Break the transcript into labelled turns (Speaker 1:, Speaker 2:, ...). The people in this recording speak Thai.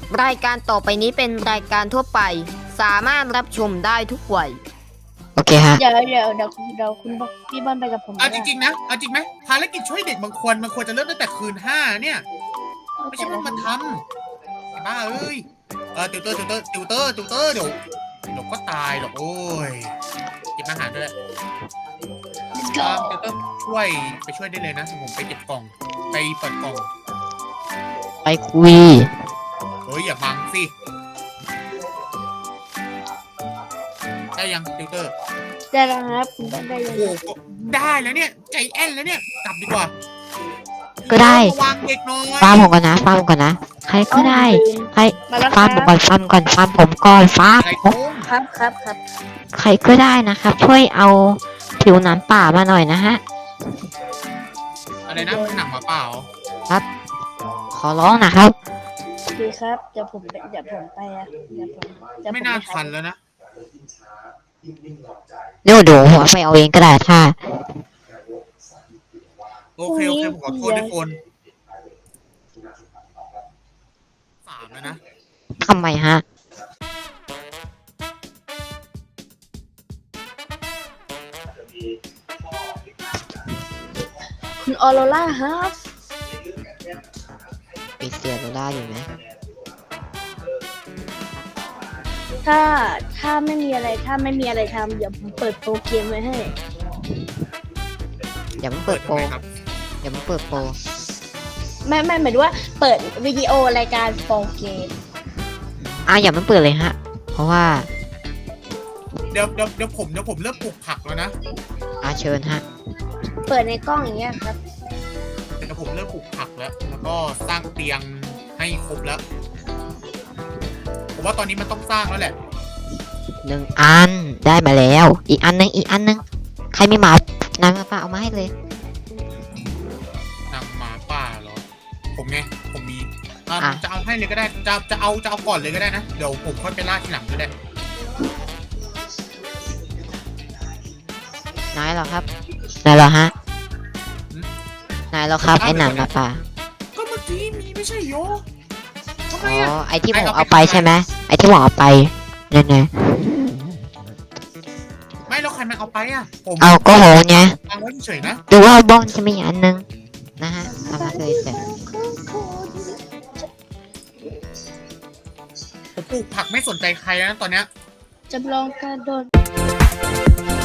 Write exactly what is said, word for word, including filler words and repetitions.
Speaker 1: รายการต่อไปนี้เป็นรายการทั่วไปสามารถรับชมได้ทุกวัย
Speaker 2: โอเคฮะ
Speaker 3: เดี๋ยวเดี๋ยวเดี๋ยวเดี๋ยวคุณบอกพี่บอลไปกับผม
Speaker 4: เอาจริงๆนะเอาจริงไหมภารกิจช่วยเด็กบางคนมันควรจะเริ่มตั้งแต่คืนห้าเนี่ยไม่ใช่ว่ามาทำไอ้บ้าเอ้ยเออติวเตอร์ติวเตอร์ติวเตอร์ติวเตอร์เดี๋ยวเดี๋ยวก็ตายหรอกโอ้ยเก็บอาหารด้วยตามติวเตอร์ช่วยไปช่วยได้เลยนะผมไปเก็บกล่องไปเปิดกล่อง
Speaker 2: ไปคุย
Speaker 4: เฮ้ยอย่าบังสิได้ยังติวเตอร์
Speaker 3: ได้แล้วครับคุณบอลได้ยัง
Speaker 4: โอ้โหได้แล้วเนี่ยใจแอนแล้วเนี่ยกลับดีกว่า
Speaker 2: ก็ได้
Speaker 4: วางเด็กน้อย
Speaker 2: ฟาร์มผมก่อนนะฟาร์มผมก่อนนะใครก็ได้ใคร
Speaker 3: มาแล้วค
Speaker 2: ฟา
Speaker 3: รั
Speaker 2: ร์ม
Speaker 3: บ
Speaker 2: ผมก่อนฟาร์มก่อนฟาร์มผมก่อนฟาร์ม
Speaker 4: อะไร
Speaker 2: ผม
Speaker 4: โค้ง
Speaker 3: ครับครับครับ
Speaker 2: ใครก็ได้นะครับ ช่วยเอาผิวหนังป่ามาหน่อยนะฮะ
Speaker 4: อะไรนะหนังหมาเปล่า
Speaker 2: ขอร้องนะครับ
Speaker 3: โอเคครับเดี๋ยวผมไปเดี๋ยวผมไปอ่ะเดี๋ยวผมเดี๋ยวผม
Speaker 4: ไม่น่า
Speaker 3: ป
Speaker 4: ทันแล้วนะ
Speaker 2: เดี๋ยวเดี๋ยวหัวไปเอาเองก็ได้ถ้า
Speaker 4: โอเคโอเคผมขอโทษทุกคนสามแล้วนะ
Speaker 2: ทำไมฮะ
Speaker 3: คุณออโรล่าครับ
Speaker 2: ปีเซียโรล่าอยู่ไหม
Speaker 3: ถ้าถ้าไม่มีอะไรถ้าไม่มีอะไรทำเดี๋ยวผมเปิดโปรเกมไว้ให้
Speaker 2: อย่าเพิ่งเปิดโปร
Speaker 4: ทำไมครับ
Speaker 2: อย่าเพิ่งเปิดโปร
Speaker 3: ไม่ไม่หมายถึงว่าเปิดวิดีโอรายการโปรเกม
Speaker 2: อ่ะอย่าเพิ่งเปิดเลยฮะ เพราะว่า
Speaker 4: เดี๋ยวเดี๋ยวเดี๋ยวผมเดี๋ยวผมเริ่มปลูกผักแล้วนะ
Speaker 2: อาเชิญฮะ
Speaker 3: เปิดในกล้องอย่างเงี้ยครับ
Speaker 4: เดี๋ยวผมเริ่มปลูกผักแล้ว แล้วก็สร้างเตียงให้ครบแล้วผมว่าตอนนี้มันต้องสร้างแล้วแหละ
Speaker 2: หนึ่งอันได้มาแล้ว อีกอันหนึงอีกอันหนึงใครไม่มานางมาป่าเอามาให้เลย
Speaker 4: หนังหมาป่าเหรอ ผมไงผมมีอ่ะ
Speaker 2: อ่ะ
Speaker 4: จะเอาให้เลยก็ได้จะจะเอาจะเอาก่อนเลยก็ได้นะเดี๋ยวผมค่อยไปล่าทีหลังก็ได้
Speaker 2: นายเหรอครับนายเหรอฮะนายเหรอครับไอ้หนังมาป่า
Speaker 4: ก็เมื่อกี้มีไม่ใช่โยทำไม
Speaker 2: อ๋อ
Speaker 4: อ่ะ
Speaker 2: ไอ้ที่ผม
Speaker 4: ไอ้เอา
Speaker 2: เอา
Speaker 4: ไป
Speaker 2: ไปใช่ไหมไอ้ที่ผมเอาไปเนี่ยนะ
Speaker 4: ไม่แล้วใครมาเอาไปอ่ะผม
Speaker 2: เอาก็โหไง
Speaker 4: วางไว้เฉยๆนะ
Speaker 2: ดูว่าบ้องจะมีอันนึงนะฮะทำมาเลยเสร็จ
Speaker 4: ผมปลูกผักไม่สนใจใครแล้วนะตอนเนี้ย
Speaker 3: จำลองการโดน